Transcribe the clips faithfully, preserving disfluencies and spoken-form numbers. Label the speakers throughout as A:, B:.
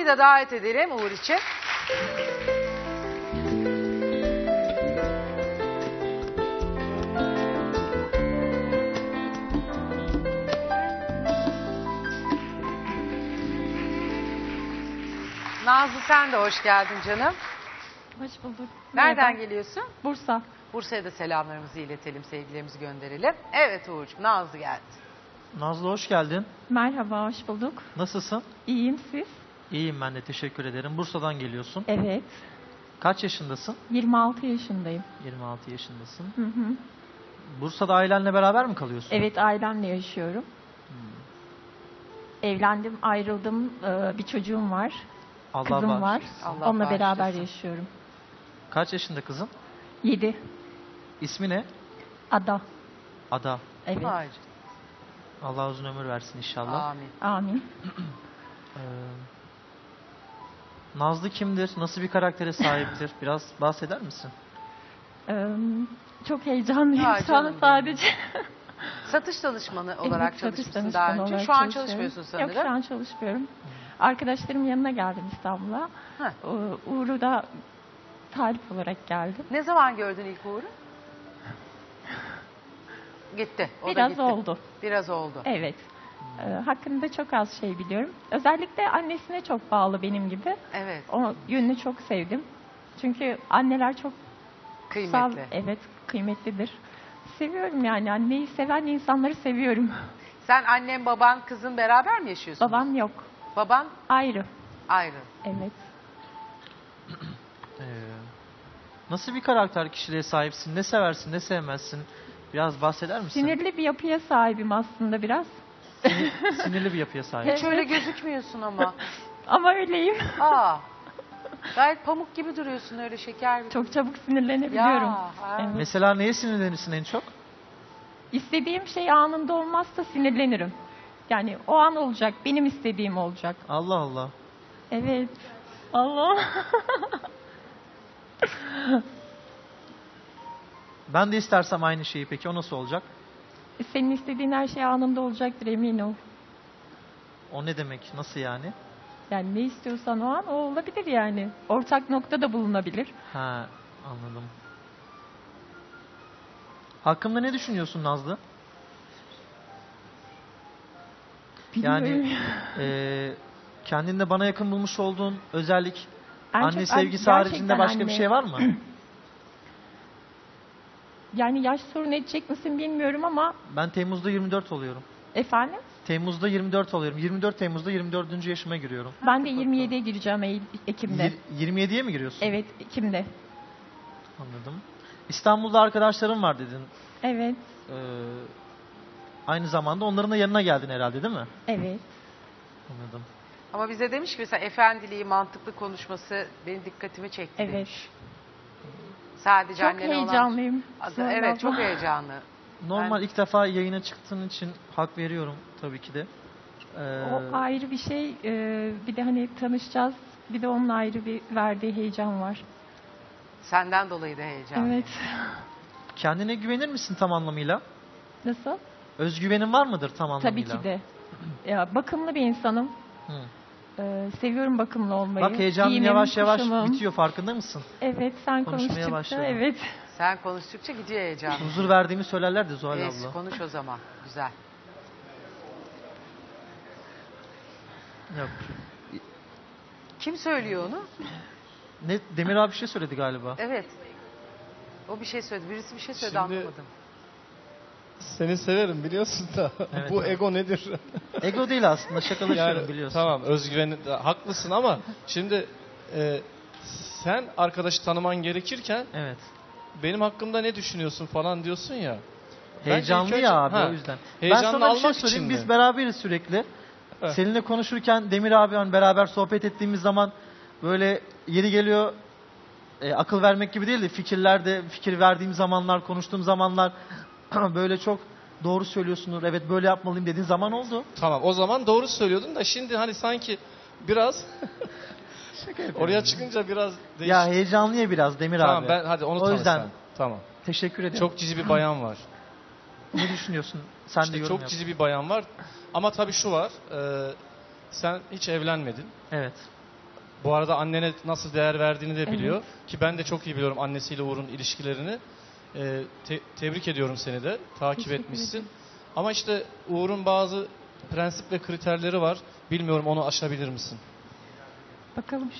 A: da davet edelim Uğur için. Nazlı sen de hoş geldin canım.
B: Hoş bulduk.
A: Nereden
B: Merhaba.
A: geliyorsun?
B: Bursa.
A: Bursa'ya da selamlarımızı iletelim, sevgilerimizi gönderelim. Evet Uğur'cum, Nazlı geldi.
C: Nazlı hoş geldin.
B: Merhaba, hoş bulduk.
C: Nasılsın?
B: İyiyim, siz?
C: İyiyim ben de, teşekkür ederim. Bursa'dan geliyorsun.
B: Evet.
C: Kaç yaşındasın?
B: yirmi altı yaşındayım.
C: yirmi altı yaşındasın.
B: Hı hı.
C: Bursa'da ailenle beraber mi kalıyorsun?
B: Evet, ailemle yaşıyorum.
C: Hmm.
B: Evlendim, ayrıldım. Ee, bir çocuğum var.
C: Allah
B: Kızım var.
C: bağışlasın.
A: Allah
B: Onunla beraber
A: bağışlasın.
B: yaşıyorum.
C: Kaç yaşında kızın?
B: yedi.
C: İsmi ne?
B: Ada.
C: Ada.
B: Evet.
A: Vay
C: Allah uzun ömür versin inşallah.
A: canına, Amin.
B: Amin.
C: Ee, Nazlı kimdir? Nasıl bir karaktere sahiptir? Biraz bahseder misin?
B: Ee, çok heyecanlıyım
A: Ay
B: şu an
A: canım
B: sadece.
A: Satış danışmanı olarak
B: Evet, satış
A: çalışmışsın daha
B: danışmanı
A: önce.
B: olarak
A: Şu an
B: çalışıyorum.
A: çalışmıyorsun sanırım.
B: Yok, şu an çalışmıyorum. Arkadaşlarımın yanına geldim İstanbul'a.
A: Heh.
B: Ee, Uğur'u da talip olarak geldim.
A: Ne zaman gördün ilk Uğur'u? Gitti. O da
B: Biraz
A: gitti.
B: oldu.
A: Biraz oldu.
B: Evet. Ee, hakkında çok az şey biliyorum. Özellikle annesine çok bağlı benim gibi.
A: Evet.
B: O yönünü çok sevdim. Çünkü anneler çok kutsal,
A: Kıymetli.
B: evet, kıymetlidir. Seviyorum yani. Anneyi seven insanları seviyorum.
A: Sen annen, baban, kızın beraber mi yaşıyorsunuz?
B: Babam yok.
A: Baban
B: Ayrı.
A: ayrı.
B: Evet.
C: Ee, nasıl bir karakter kişiliğe sahipsin? Ne seversin, ne sevmezsin? Biraz bahseder misin?
B: Sinirli bir yapıya sahibim aslında biraz.
C: Sinir- Sinirli bir yapıya sahip.
A: Hiç öyle gözükmüyorsun ama.
B: Ama öyleyim.
A: Aa. Gayet pamuk gibi duruyorsun, öyle şeker gibi.
B: Çok çabuk sinirlenebiliyorum.
A: Ya, ha.
B: Evet.
C: Mesela neye sinirlenirsin en çok?
B: İstediğim şey anında olmazsa sinirlenirim. Yani o an olacak, benim istediğim olacak.
C: Allah Allah.
B: Evet. Allah.
C: Ben de istersem aynı şeyi, peki o nasıl olacak?
B: Senin istediğin her şey anında olacaktır, emin ol.
C: O ne demek? Nasıl yani?
B: Yani ne istiyorsan o an o olabilir yani. Ortak nokta da bulunabilir.
C: Ha, anladım. Hakkımda ne düşünüyorsun Nazlı?
B: Bilmiyorum.
C: Yani e, kendinde bana yakın bulmuş olduğun özellik,
B: En
C: anne
B: çok-
C: sevgisi
B: gerçekten
C: haricinde başka bir
B: anne.
C: şey var mı?
B: Yani yaş sorun edecek misin bilmiyorum ama
C: Ben Temmuz'da yirmi dört oluyorum.
B: efendim
C: Temmuz'da yirmi dört oluyorum. yirmi dört Temmuz'da yirmi dördüncü yaşıma giriyorum.
B: ben de yirmi yediye gireceğim Eylül, Ekim'de.
C: Yir- yirmi yediye mi giriyorsun?
B: Evet, Ekim'de.
C: Anladım. İstanbul'da arkadaşlarım var dedin.
B: Evet,
C: Ee, aynı zamanda onların da yanına geldin herhalde, değil mi?
B: evet.
C: Anladım.
A: Ama bize demiş ki mesela efendiliği, mantıklı konuşması benim dikkatimi çekti
B: Evet.
A: demiş. Sadece
B: Çok
A: annene olan...
B: heyecanlıyım.
A: Adı-
B: Sonra
A: Evet,
B: abla.
A: çok heyecanlı.
C: Normal
A: Ben-
C: ilk defa yayına çıktığın için hak veriyorum tabii ki de. Ee,
B: O ayrı bir şey. Ee, bir de hani tanışacağız. Bir de onun ayrı bir verdiği heyecan var.
A: Senden dolayı da heyecanlı.
B: Evet.
C: kendine güvenir misin tam anlamıyla?
B: Nasıl?
C: Özgüvenin var mıdır tam anlamıyla?
B: Tabii ki de. Ya, bakımlı bir insanım.
C: Hı.
B: Ee, seviyorum bakımlı olmayı.
C: Bak heyecanın
B: Giyimim,
C: yavaş yavaş
B: kuşamım.
C: bitiyor, farkında mısın?
B: Evet, sen
C: Konuşmaya
B: konuştukça.
C: başladım.
B: Evet.
A: Sen konuştukça gidiyor heyecan.
C: Huzur verdiğimi söylerler de Zuhal
A: Neyse,
C: abla.
A: konuş o zaman. Güzel.
C: Yok.
A: Kim söylüyor onu?
C: Ne, Demir abi bir şey söyledi galiba.
A: Evet. O bir şey söyledi. Birisi bir şey söyledi,
D: Şimdi-
A: anlamadım.
D: Seni severim biliyorsun da
C: Evet,
D: bu
C: evet.
D: ego nedir?
C: Ego değil aslında, şakalaşıyorum
D: Yani
C: biliyorsun.
D: tamam, özgüveni haklısın ama şimdi e, sen arkadaşı tanıman gerekirken
C: Evet.
D: benim hakkımda ne düşünüyorsun falan diyorsun ya. Ben
C: Heyecanlı
D: ilk önce-
C: ya abi,
D: Ha,
C: o yüzden. Ben
D: heyecanlı
C: sana bir şey
D: almak
C: söyleyeyim.
D: için
C: Biz
D: mi?
C: beraberiz sürekli.
D: Evet.
C: Seninle konuşurken Demir abi hani beraber sohbet ettiğimiz zaman böyle yeri geliyor, e, akıl vermek gibi değil de fikirlerde fikir verdiğim zamanlar, konuştuğum zamanlar böyle çok doğru söylüyorsundur. Evet, böyle yapmalıyım dediğin zaman oldu.
D: Tamam, o zaman doğru söylüyordun da şimdi hani sanki biraz oraya çıkınca biraz değişik.
C: Ya heyecanlıya biraz Demir
D: Tamam,
C: abi.
D: ben hadi onu
C: O
D: tanı
C: yüzden
D: sen. Tamam.
C: teşekkür ederim.
D: Çok cici bir bayan var.
C: Ne düşünüyorsun? Sen de
D: İşte
C: yorum
D: çok
C: yap.
D: cici bir bayan var. Ama tabii şu var. e, sen hiç evlenmedin.
C: Evet.
D: Bu arada annene nasıl değer verdiğini de biliyor. Ki ben de çok iyi biliyorum annesiyle Uğur'un ilişkilerini. Ee, te- tebrik ediyorum seni de. Takip
B: Teşekkür
D: etmişsin.
B: ederim.
D: Ama işte Uğur'un bazı prensip ve kriterleri var. Bilmiyorum, onu aşabilir misin?
B: Bakalım.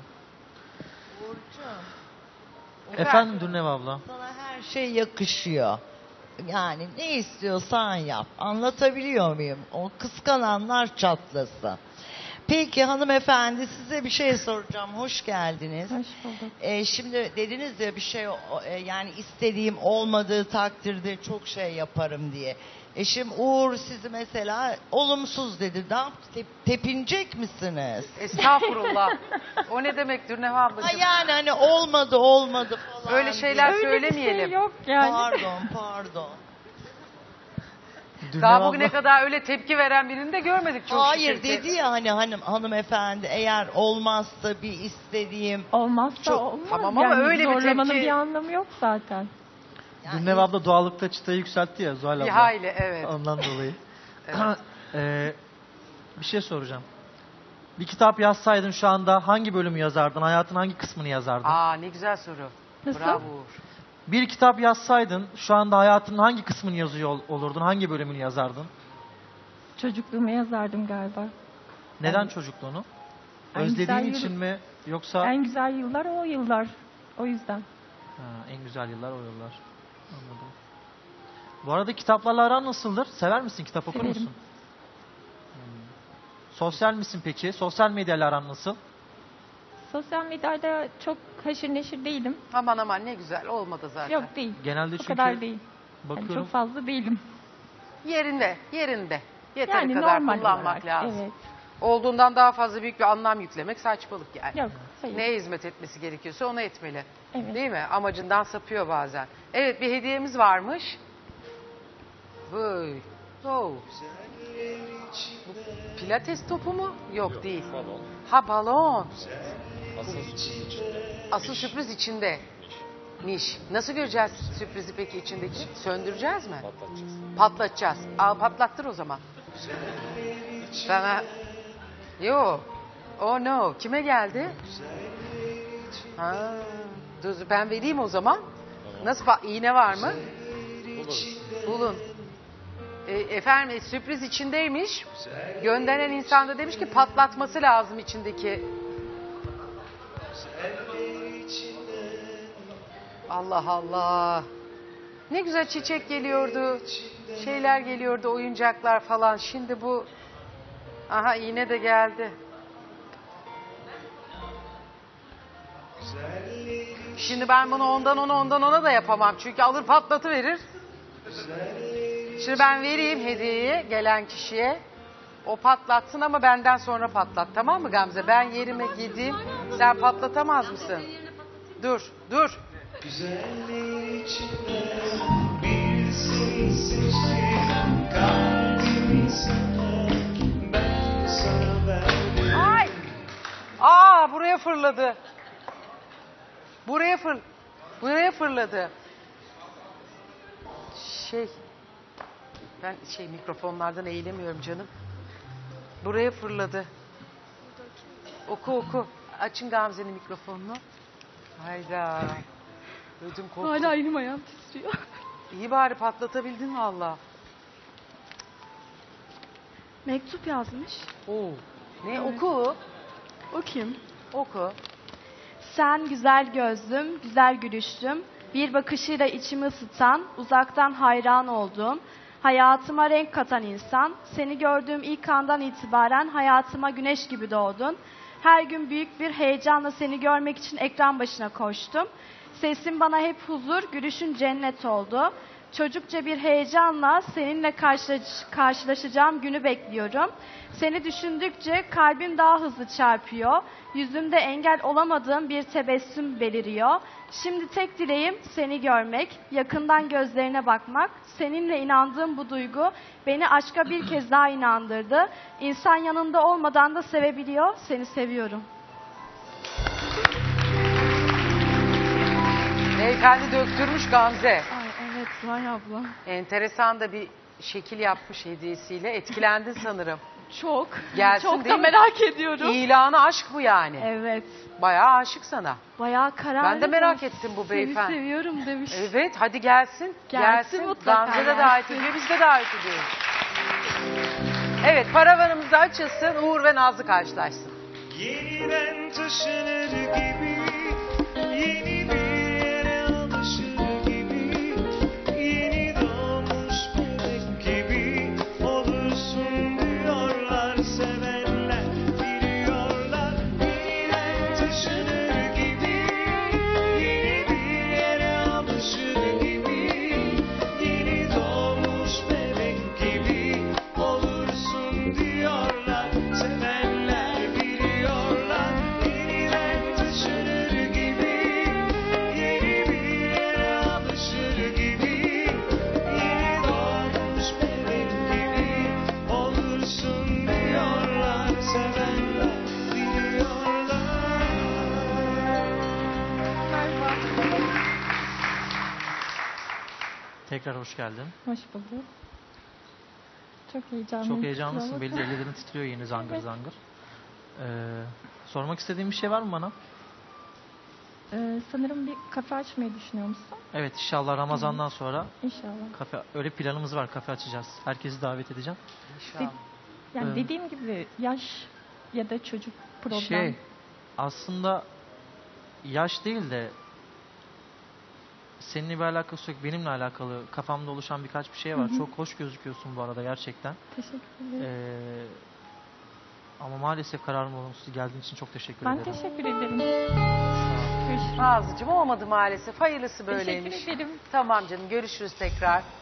C: Efendim Dürnev abla.
E: Sana her şey yakışıyor. Yani ne istiyorsan yap. Anlatabiliyor muyum? O kıskananlar çatlasın. Peki hanımefendi, size bir şey soracağım. Hoş geldiniz.
B: Hoş bulduk.
E: Ee, şimdi dediniz ya bir şey o- e, yani istediğim olmadığı takdirde çok şey yaparım diye. Eşim Uğur sizi mesela olumsuz dedi. Ne yaptı? Tep- tepinecek misiniz?
A: Estağfurullah. O ne demektir Neha
E: Ha
A: ablacığım?
E: yani hani olmadı olmadı falan.
A: Öyle şeyler
E: diye.
B: Öyle bir
A: söylemeyelim.
B: şey yok yani.
E: Pardon pardon.
C: Dürnev
A: Daha
C: abla-
A: bugüne kadar öyle tepki veren birini de görmedik çok
E: Hayır
A: şükür ki.
E: dedi ya hani hanım hanımefendi, eğer olmazsa bir istediğim
B: Olmazsa
E: Çok-
B: olmaz.
A: Tamam ama
B: yani
A: öyle bir
B: zorlamanın
A: tepki-
B: bir anlamı yok zaten.
E: yani
C: Dürnev abla doğallıkta çıtayı yükseltti ya Zuhal abla.
A: Bir hayli evet.
C: Ondan dolayı.
A: Evet.
C: Ee, bir şey soracağım. Bir kitap yazsaydın şu anda hangi bölümü yazardın? Hayatın hangi kısmını yazardın?
A: Aa ne güzel soru.
B: Nasıl?
A: Bravo Uğur.
C: Bir kitap yazsaydın şu anda hayatının hangi kısmını yazıyor ol- olurdun? Hangi bölümünü yazardın?
B: Çocukluğumu yazardım galiba.
C: Neden çocukluğunu?
B: En
C: Özlediğin
B: güzel
C: için
B: yıl-
C: mi yoksa
B: En güzel yıllar o yıllar. O yüzden.
C: Ha, en güzel yıllar o yıllar. Anladım. Bu arada kitaplarla aran nasıldır? Sever misin? Kitap okur
B: Severim.
C: musun? Hmm. Sosyal misin peki? Sosyal medyayla aran nasıl?
B: Sosyal medyada çok haşır neşir değilim.
A: Aman aman ne güzel olmadı zaten.
B: Yok değil.
C: Genelde
B: O
C: çünkü
B: kadar değil. Yani
C: bakıyorum.
B: çok fazla değilim.
A: Yerinde, yerinde. Yeteri
B: Yani
A: kadar
B: normal
A: kullanmak
B: olarak.
A: lazım.
B: Evet.
A: Olduğundan daha fazla büyük bir anlam yüklemek saçmalık yani.
B: Yok. Hayır.
A: Neye hizmet etmesi gerekiyorsa onu etmeli.
B: Evet.
A: Değil mi? Amacından sapıyor bazen. Evet bir hediyemiz varmış. Vay. Oh. Bu pilates topu mu? Yok değil. Ha balon. Asıl sürpriz içinde. Miş. Nasıl göreceğiz sürprizi peki içindeki? Söndüreceğiz mi? Patlatacağız. Patlatacağız. Al patlattır o zaman. Sana... Yo. Oh no. Kime geldi? Ha. Dur ben vereyim o zaman. Nasıl pa- iğne var mı? Bulun. E, efendim e, sürpriz içindeymiş. Gönderen insan da demiş ki patlatması lazım içindeki. Allah Allah. Ne güzel çiçek geliyordu. Şeyler geliyordu, oyuncaklar falan. Şimdi bu... Aha iğne de geldi. Şimdi ben bunu ondan ona ondan ona da yapamam. Çünkü alır patlatıverir. Şimdi ben vereyim hediyeyi gelen kişiye. O patlatsın ama benden sonra patlat. Tamam mı Gamze? Ben yerime gideyim. Sen patlatamaz mısın? Dur, dur.
F: Güzelliği içinde bir seni seçtim, kalbimi sana, ben sana verdim.
A: Ay! Aa buraya fırladı. Buraya fır buraya fırladı. Şey ben şey mikrofonlardan eğilemiyorum canım. Buraya fırladı. Oku oku. Açın Gamze'nin mikrofonunu. Hayda. Ödüm koptu.
G: Hala elim ayağım titriyor.
A: İyi bari patlatabildin valla.
G: Mektup yazmış.
A: Oo. Ne oku?
G: O kim?
A: Oku.
G: Sen güzel gözlüm, güzel gülüşlüm, bir bakışıyla içimi ısıtan, uzaktan hayran olduğum, hayatıma renk katan insan, seni gördüğüm ilk andan itibaren hayatıma güneş gibi doğdun. Her gün büyük bir heyecanla seni görmek için ekran başına koştum. Sesin bana hep huzur, gülüşün cennet oldu. Çocukça bir heyecanla seninle karşılaş- karşılaşacağım günü bekliyorum. Seni düşündükçe kalbim daha hızlı çarpıyor. Yüzümde engel olamadığım bir tebessüm beliriyor. Şimdi tek dileğim seni görmek, yakından gözlerine bakmak. Seninle inandığım bu duygu beni aşka bir kez daha inandırdı. İnsan yanında olmadan da sevebiliyor. Seni seviyorum.
A: Beyefendi döktürmüş Gamze.
G: Ay evet Zuhal abla.
A: Enteresan da bir şekil yapmış hediyesiyle. Etkilendin sanırım.
G: Çok.
A: Gelsin
G: Çok
A: değil
G: da
A: mi?
G: merak ediyorum.
A: İlanı aşk bu yani.
G: Evet.
A: Bayağı aşık sana.
G: Bayağı kararlı.
A: Ben de merak ettim bu beyefendi.
G: Seni seviyorum demiş.
A: Evet, hadi gelsin.
G: Gelsin mutlaka,
A: Gamze de
G: gelsin.
A: davet ediyor, biz de davet ediyoruz. Evet, paravanımız da açılsın. Uğur ve Nazlı karşılaşsın.
F: Yeniden taşınır gibi, yeni bir yere alışır gibi, yeni doğmuş bebek gibi olursun diyorlar sevenler, biliyorlar. Yeniden taşınır gibi, yeni bir yere alışır gibi, yeni doğmuş bebek gibi olursun diyorlar sevenler, biliyorlar. Yeniden taşınır gibi, yeni bir yere alışır gibi, yeni doğmuş bebek gibi olursun diyorlar sevenler, biliyorlar.
C: Tekrar hoş geldin.
B: Hoş bulduk. Çok heyecanlıyım.
C: Çok heyecanlısın.
B: kusura
C: Belli
B: bakma.
C: ellerin titriyor yeni zangır
B: Evet.
C: zangır. Ee, sormak istediğin bir şey var mı bana?
B: Ee, sanırım bir kafe açmayı düşünüyor musun?
C: Evet, inşallah Ramazan'dan sonra
B: İnşallah.
C: kafe, öyle planımız var, kafe açacağız. Herkesi davet edeceğim.
A: İnşallah.
B: Yani
C: Evet.
B: dediğim gibi yaş ya da çocuk problem.
C: Şey, aslında yaş değil de seninle bir alakası yok, benimle alakalı kafamda oluşan birkaç bir şey var.
B: Hı hı.
C: Çok hoş gözüküyorsun bu arada gerçekten.
B: Teşekkür ederim.
C: Ee, ama maalesef kararım olumsuz. Geldiğin için çok teşekkür
B: Ben
C: ederim.
B: teşekkür ederim. Görüşürüz.
A: Nazlıcığım olmadı maalesef. Hayırlısı böyleymiş.
B: Teşekkür ederim.
A: Tamam canım, görüşürüz tekrar.